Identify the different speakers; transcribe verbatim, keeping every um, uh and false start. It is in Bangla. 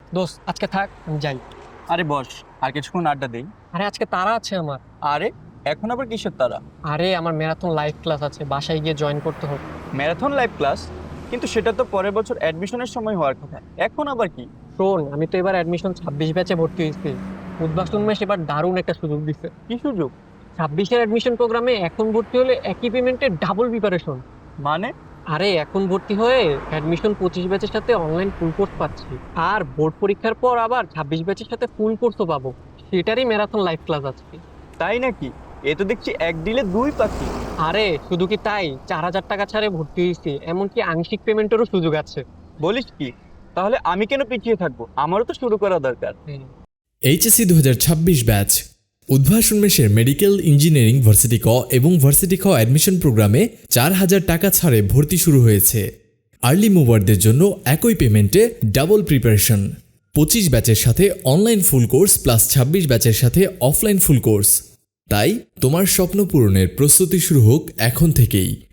Speaker 1: দোস্ত আজকে থাক, আমি যাই।
Speaker 2: আরে বস, আর কিছুক্ষণ আড্ডা দেই।
Speaker 1: আরে আজকে তারা আছে আমার।
Speaker 2: আরে এখন আবার কিসের তারা?
Speaker 1: আরে আমার ম্যারাথন লাইভ ক্লাস আছে, বাসায় গিয়ে জয়েন করতে হবে।
Speaker 2: Marathon live class? কিন্তু সেটা তো পরের বছর অ্যাডমিশনের সময় হওয়ার কথা, এখন আবার কি?
Speaker 1: শোন, আমি তো এবার অ্যাডমিশন ছাব্বিশ ব্যাচে ভর্তি হয়েছি। উদ্বাস্তন মেশ এবার দারুণ একটা সুযোগ দিছে।
Speaker 2: কি সুযোগ?
Speaker 1: ছাব্বিশের অ্যাডমিশন প্রোগ্রামে এখন ভর্তি হলে একই পেমেন্টে ডাবল প্রিপারেশন।
Speaker 2: মানে?
Speaker 1: আরে এখন ভর্তি হয়ে অ্যাডমিশন পঁচিশ ব্যাচের সাথে অনলাইন ফুল কোর্স পাচ্ছি। আর বোর্ড পরীক্ষার পর আবার ছাব্বিশ ব্যাচের সাথে ফুল কোর্সও পাবো। সেটারই ম্যারাথন লাইভ ক্লাস আছে।
Speaker 2: তাই নাকি? এ তো দেখছি এক ডিলে দুই পাখি।
Speaker 1: আরে শুধু কি তাই, চার হাজার টাকা ছাড়ে ভর্তি হয়েছি, এমনকি আংশিক পেমেন্টেরও সুযোগ আছে।
Speaker 2: বলিস কি? তাহলে আমি কেন পিছিয়ে থাকবো? আমারও তো শুরু করা দরকার।
Speaker 1: হুম।
Speaker 3: এইচএসসি দু হাজার ছাব্বিশ ব্যাচ উদ্ভাসন মেশের মেডিকেল ইঞ্জিনিয়ারিং ভার্সিটি ক এবং ভার্সিটি খ অ্যাডমিশন প্রোগ্রামে চার হাজার টাকা ছাড়ে ভর্তি শুরু হয়েছে। আর্লি মুভারদের জন্য একই পেমেন্টে ডাবল প্রিপারেশন। পঁচিশ ব্যাচের সাথে অনলাইন ফুল কোর্স প্লাস ছাব্বিশ ব্যাচের সাথে অফলাইন ফুল কোর্স। তাই তোমার স্বপ্ন পূরণের প্রস্তুতি শুরু হোক এখন থেকেই।